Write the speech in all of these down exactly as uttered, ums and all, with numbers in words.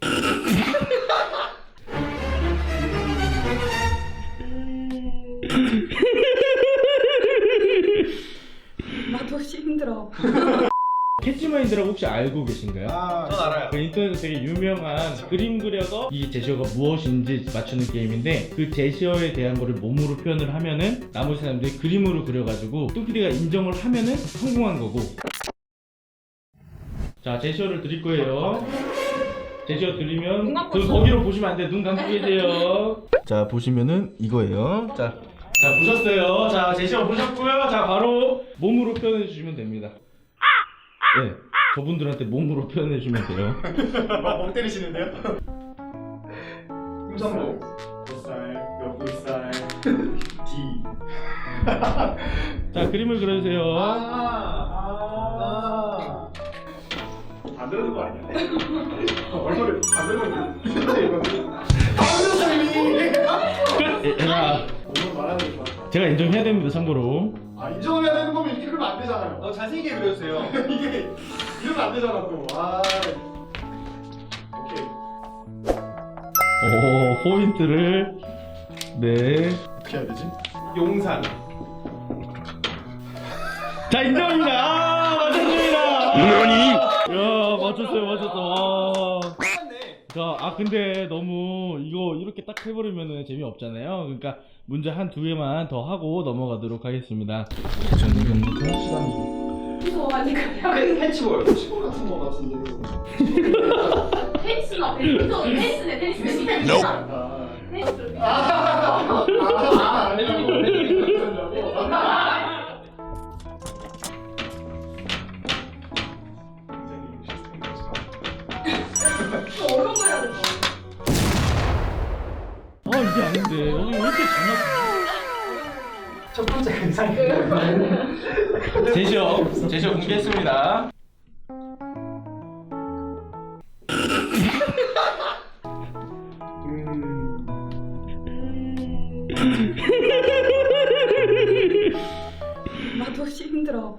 나도 힘들어. 캐치마인드라고 혹시 알고 계신가요? 아, 전 알아요. 그 인터넷에서 되게 유명한 그림 그려서 이 제시어가 무엇인지 맞추는 게임인데, 그 제시어에 대한 거를 몸으로 표현을 하면은 나머지 사람들이 그림으로 그려가지고 뚜피디가 인정을 하면은 성공한 거고. 자, 제시어를 드릴 거예요. 제시어 드리면 그 거기로 보시면 안 돼. 눈 감고 계세요. 자, 보시면은 이거예요. 자, 자 보셨어요. 자, 제시어 보셨고요. 자, 바로 몸으로 표현해 주시면 됩니다. 네, 저분들한테 몸으로 표현해 주면 돼요. 멍 때리시는데요? 임성도 뱃살, 옆볼살, D. 자, 그림을 그려주세요. 아, 아, 안 들어준 거 아니야? 얼굴을 안 들어준 자, 오늘 말하는 거. 제가 인정해야 됩니다. 참고로. 아, 인정을 해야 되는 거면 이렇게 그리면 안 되잖아요. 어, 잘생기게 그려주세요. 이게 이러면 안 되잖아 또. 아, 오케이. 오, 포인트를. 네. 어떻게 해야 되지? 용산. 자, 인정입니다. 아, 맞췄습니다. 너니? 야, 맞췄어요, 맞췄어. 맞네. 자, 아 근데 너무 이거 이렇게 딱 해버리면은 재미없잖아요. 그러니까 문제 한 두 개만 더 하고 넘어가도록 하겠습니다. 저는 이거부터 시간이. 이거 아니 그냥 캐치볼. 캐치볼 같은 거 같은데. 테니스나 이거 테니스네 테니스 테니스. 아, 테니스. 아, 아, 아, 아니라고. 어려운 거 해야 돼. 아 이게 아닌데. 어, 왜 이렇게 장난? 첫 번째 의상이 제시어, 제시어 공개했습니다. 나도 힘들어.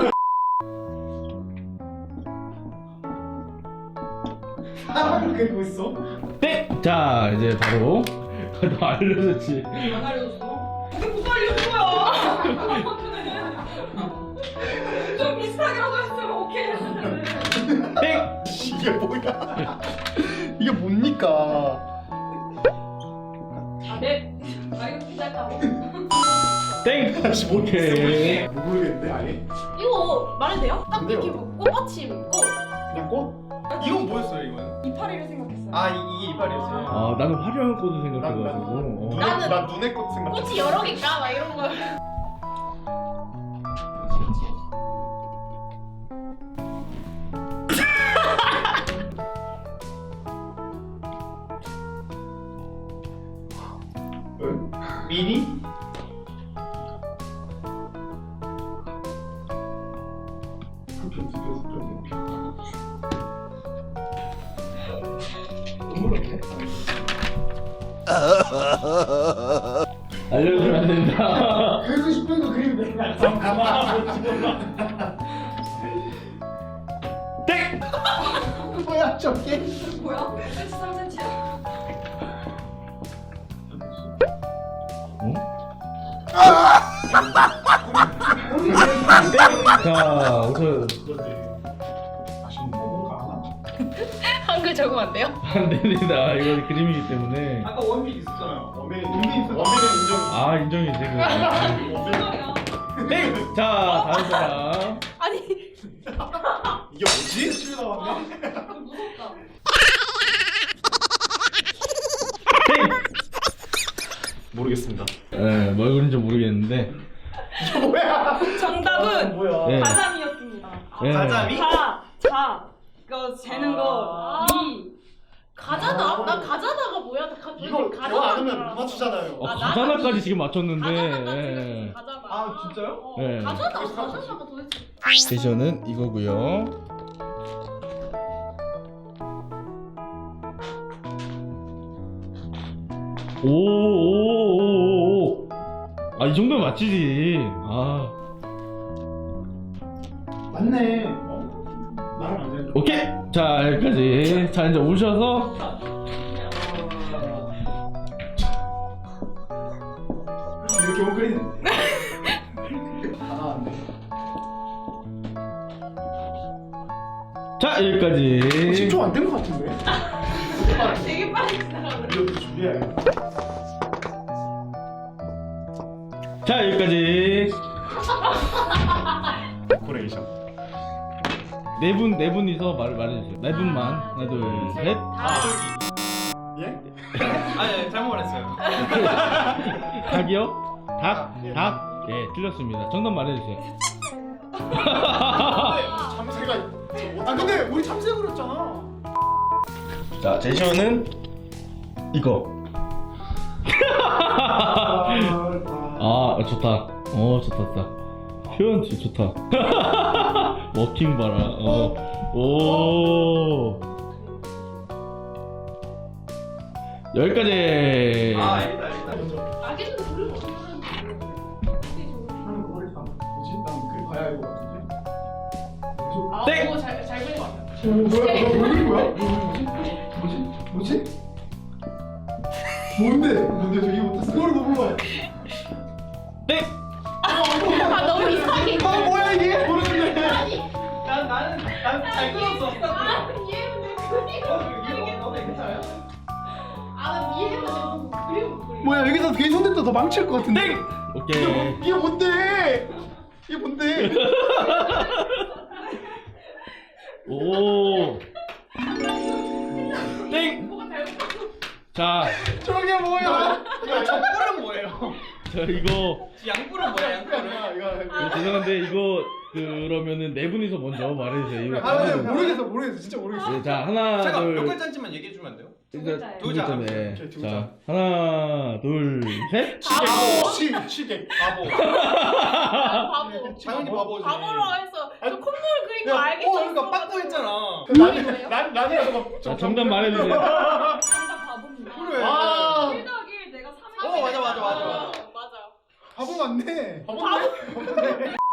사람을 그리고 있어? 네. 자, 이제 바로 너 알려줬지. 안 알려줬어? 이게 누가 알려준 거야? 좀 비슷하게라도 했으면 오케이 했는데. 땡. 이게 뭐야? 이게 뭡니까? 아 네. 아 이거 괜찮다고. 땡. 다시 오케이. 모르겠는데 아예? 이거 말해도 돼요? 딱 근데요? 이렇게 꽃받침 꽃. 그냥 꽃? 이건 뭐였어요 이건? 이파리를 생각했어요. 아 이, 이게 이빨이었어요? 아, 나는 화려한 꽃을 난, 생각해가지고. 어. 눈에, 나는- 난 눈의 꽃 생각. 꽃이 여러 개일까? 막 이런 거. 응? 미니? 알려주면 안 된다. 그리고 싶은 거 그리면 돼. 잠깐만. 땡. 뭐야 저게? 뭐야? 삼 센티미터야? 어? 자, 우선 아쉽네. 뭔가 한글 적으면 안 돼요? 안 됩니다. 이건 그림이기 때문에. 아까 원빈 있었잖아요. 원빈 원빈 있어. 원빈은 인정. 아, 인정이지. 그. 땡. 자, 다음 사람. 아니 이게 뭐지? 실 나왔네. 무섭다. 땡. 모르겠습니다. 네, 뭘 그린지 모르겠는데. 이게 뭐야? 정답은 뭐야? 네. 가자미였습니다. 네. 가자미? 자, 자, 이거 재는 거, 아. 이. 가자나? 나 가자나가 뭐야? 나 가, 이거 대화 안 하면 못 맞추잖아요. 어, 아, 가자나까지 지금 맞췄는데. 가자나까지 예. 가자나. 아, 진짜요? 어, 네. 가자나, 가자나가 도대체. 제시어는 이거고요. 오오오오. 아, 이 정도면 맞히지. 아, 맞네. 어? 나랑 안 되는. 오케이. 자 여기까지. 자 이제 오셔서 이렇게 엉클리는데. 다 나왔네. 자 여기까지. 십 초 안 된 것 같은데. 되게 빨리 지나가네. 이거 준비해야겠다. 자 여기까지. 코레이션. 네 분 네 분이서 말 말해주세요. 네 분만. 하나 둘 셋. 예? 아니 잘못 말했어요. 닭이요? 닭? 닭? 네 틀렸습니다. 정답 말해주세요. 참새가. 아 근데 우리 참새 그렸잖아. 자 제시어는 이거. 아 좋다. 어 좋다 좋다. 표현 진짜 좋다. 워킹 봐라. 어. 오. 여기까지. 아 알겠다 알겠다. 아기는 모르고 어떻게 하는 거 머리 감. 뭐지? 난 글 봐야 할 것 같은데. 아, 땡! 오, 잘, 잘 그린 것 같아. 오, 뭐야? 뭐 그린 거야? 뭐지? 뭐지? 뭐지? 뭔데? 뭔데? 저 이거 못했어. 그걸 못 불러요. 땡. 아, 너무 이상해. 아 뭐야 이게? 모르겠네. 난 나는 난 잘 끊었어. 아, 이해는 내 그리고 이거 너무 괜찮아요? 아, 난 이해는 내 그리고 그리고. 뭐야 여기서 괜히 손댔다 더 망칠 것 같은데. 땡. 오케이. 이게 뭔데? 이게 뭔데? 오. 땡. 뭐가 잘못했어? 자, 저게 뭐야? 이거 족불은 뭐예요? 자 이거 양불은 뭐야 양불은? 이거 이거. 어, 죄송한데 이거 그러면은 네 분이서 먼저 말해주세요. 이거 아 근데 하나, 둘, 모르겠어 모르겠어 진짜 모르겠어. 네, 자 하나 잠깐 몇 둘. 글자인지만 얘기해 주면 안 돼요? 일단 두 두 글자. 글자네. 오케이, 두 자 글자. 하나 둘 셋. 바보. 시 시계. 바보. 아, 바보. 당연히 바보지. 바보로 해서 저 콧물 그린 거 야, 알겠어. 어 그러니까 빠꾸 했잖아. 난, 난, 난이라서 자 정답 말해주세요. 정답 바보입니다. 그래. 아. 일 더하기 일 내가 삼. 어, 맞아, 맞아, 맞아, 맞아. 맞아. 바보 맞네. 바보 맞네.